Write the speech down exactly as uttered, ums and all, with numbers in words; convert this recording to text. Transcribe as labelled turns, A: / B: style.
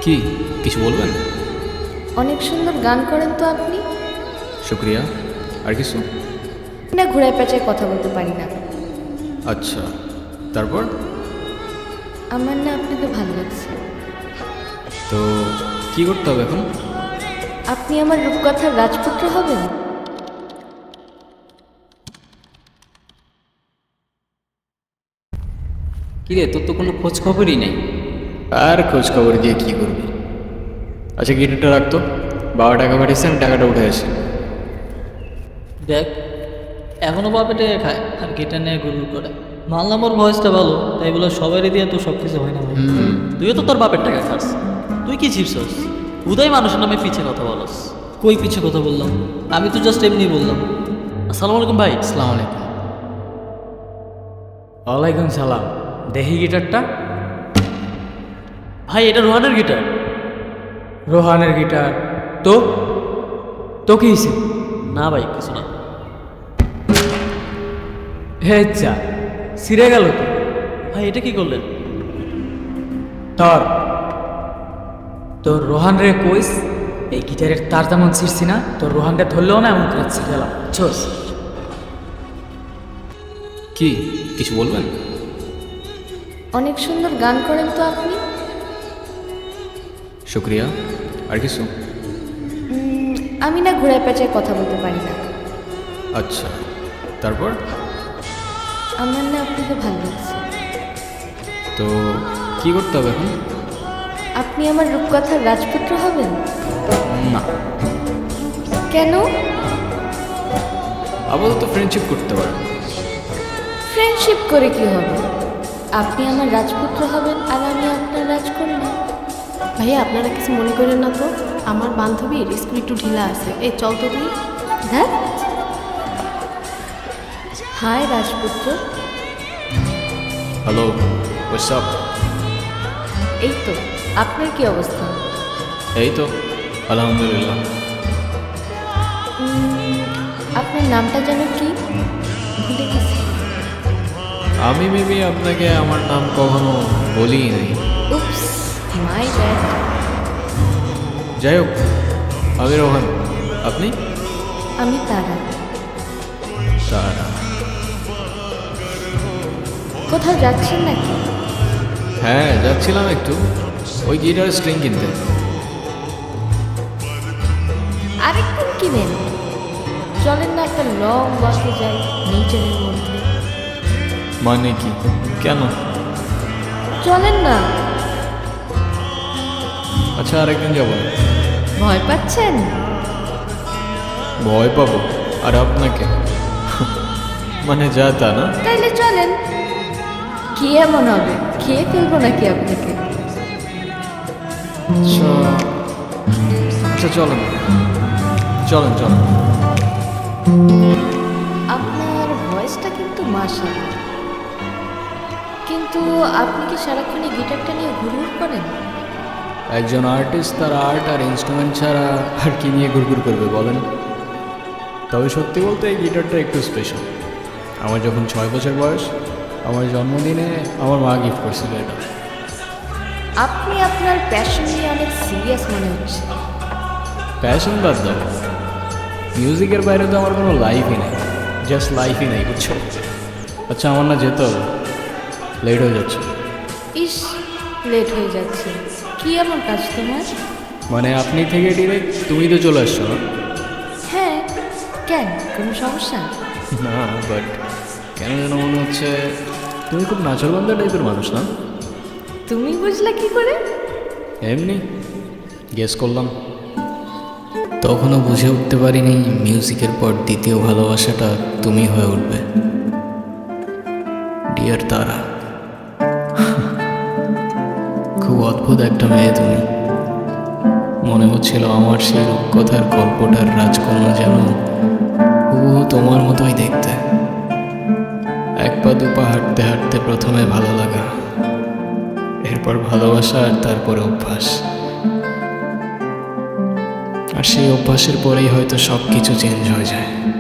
A: কি কিছু বলবেন?
B: অনেক সুন্দর গান করেন তো আপনি।
A: শুক্রিয়া। আর কিছু?
B: না, ঘোড়ায় পেঁচায় কথা বলতে পারি না।
A: আচ্ছা, তারপর?
B: আমার না আপনাকে ভালো লাগছে।
A: তো কি করতে হবে এখন?
B: আপনি আমার রূপকথার রাজপুত্র হবেন।
C: কিরে, তোর তো কোনো খোঁজ খবরই নেই।
A: আর খোঁজ খবর দিয়ে কি করবি? আচ্ছা, গিটারটা রাখতো। বাবা টাকা পাঠিয়েছেন, টাকাটা উঠে আসি।
C: দেখ, এখনো বাপে টেকে খায় আর গিটার নিয়ে গুরু করে। মানলাম ওর ভয়েসটা ভালো, তাই বলে সবারই দিয়ে তো সব কিছু হয় না ভাই। তুইও তো তোর বাপের টাকা খাস। তুই কি চিপসস? উদয় মানুষের নামে পিছে কথা বলস। কই পিছে কথা বললাম? আমি তো জাস্ট এমনি বললাম। আসসালামু আলাইকুম ভাই।
D: আসসালামু আলাইকুম। ওয়ালাইকুম সালাম। দেখি গিটারটা।
C: ভাই, এটা রোহানের গিটার।
D: রোহানের গিটার? তো তো কি হয়েছে?
C: না ভাই, কিছু না।
D: হে যা, ছিঁড়ে গেল তো।
C: ভাই, এটা কি করলেন?
D: তোর তোর রোহান রে কইস এই গিটারের তার তেমন ছিঁড়ছি না, তোর রোহানকে ধরলেও না, এমন করে ছিঁড়ে গেলাম। ছোস
A: কি কিছু বলবেন?
B: অনেক সুন্দর গান করেন তো আপনি।
A: শুক্রিয়া। আর কিছু?
B: উম, আমি না ঘোড়ায় পেঁচায় কথা বলতে পারি না।
A: আচ্ছা, তারপর?
B: আমার না আপনাকে ভালো লাগছে।
A: তো কি করতে হবে এখন?
B: আপনি আমার রূপকথার রাজপুত্র হবেন।
A: না,
B: কেন?
A: আপাতত ফ্রেন্ডশিপ করতে পারেন।
B: ফ্রেন্ডশিপ করে কি হবে? আপনি আমার রাজপুত্র হবেন আর আমি আপনার রাজকন্যা।
E: ভাইয়া, আপনারা কিছু মনে করেন না তো? আমার বান্ধবীর স্কুল একটু ঢিলা আছে। এই চল তো তুই।
B: হ্যাঁ, হাই রাজপুত্র।
A: Hello, what's up?
B: এই তো, আপনার কি অবস্থা?
A: এই তো আলহামদুলিল্লাহ।
B: উম, আপনার নামটা যেন কি? ভুলে গেছি।
A: আমি মেবি আপনাকে আমার নাম কখনো বলিই নাই।
B: Oops, my bad.
A: যাই হোক, আমি রোহান। আপনি?
B: আমি তারা।
A: তারা?
B: কোথাও যাচ্ছেন নাকি?
A: হ্যাঁ, যাচ্ছিলাম একটু ওই গিটার স্ট্রিং কিনতে।
B: আরেকদিন কিনেন। চলেন না একটা লং ওয়াকে যাই নেচারের মধ্যে।
A: মানে কি? কেন?
B: চলেন না।
A: আচ্ছা, আরেকদিন যাবো।
B: ভয় পাচ্ছেন?
A: ভয় পাবো? আর আপনাকে? মানে যা তা না।
B: তাইলে চলেন। কি এমন হবে, খেয়ে ফেলবো নাকি আপনাকে?
A: আচ্ছা আচ্ছা, চলেন চলেন চলেন।
B: আপনার ভয়েসটা কিন্তু মাশাআল্লাহ। কিন্তু আপনি কি সারাক্ষণ এই গিটারটা নিয়ে ঘুরঘুর করেন?
A: একজন আর্টিস্ট তার আর্ট আর ইনস্ট্রুমেন্ট ছাড়া আর কি নিয়ে ঘুরঘুর করবে বলেন? তবে সত্যি বলতে এই গিটারটা একটু স্পেশাল। আমার যখন ছয় বছর বয়স, আমার জন্মদিনে আমার মা গিফট করছিল এটা।
B: আপনি আপনার প্যাশন নিয়ে অনেক সিরিয়াস মনে হচ্ছে।
A: প্যাশন বাদ দাও, মিউজিকের বাইরে তো আমার কোনো লাইফই নেই। জাস্ট লাইফই নেই, বুঝছো? আচ্ছা, আমার না যেতে হবে, লেট হয়ে যাচ্ছে।
B: ইস, লেট হয়ে যাচ্ছে। কি এমন কাজ তোমার?
A: মানে আপনি থেকে ডিরেক্ট তুমি তো চলে আসছো না?
B: হ্যাঁ, কেন, কোনো সমস্যা?
A: না, বাট কেন যেন মনে হচ্ছে তুমি খুব নাচরবান্ধা টাইপের মানুষ না?
B: তুমি বুঝলা কি করে?
A: এমনি গেস করলাম। তখনও বুঝে উঠতে পারিনি মিউজিকের পর দ্বিতীয় ভালোবাসাটা তুমি হয়ে উঠবে। ডিয়ার তারা, খুব অদ্ভুত একটা মেয়ে তুমি। মনে হচ্ছিল আমার সেই রূপকথার গল্পটার রাজকন্যা যেন হুবহু তোমার মতোই দেখতে। এক পা দুপা হাঁটতে হাঁটতে প্রথমে ভালো লাগা, এরপর ভালোবাসা, আর তারপরে অভ্যাস। আর সেই অভ্যাসের পরেই হয়তো সব কিছু চেঞ্জ হয়ে যায়।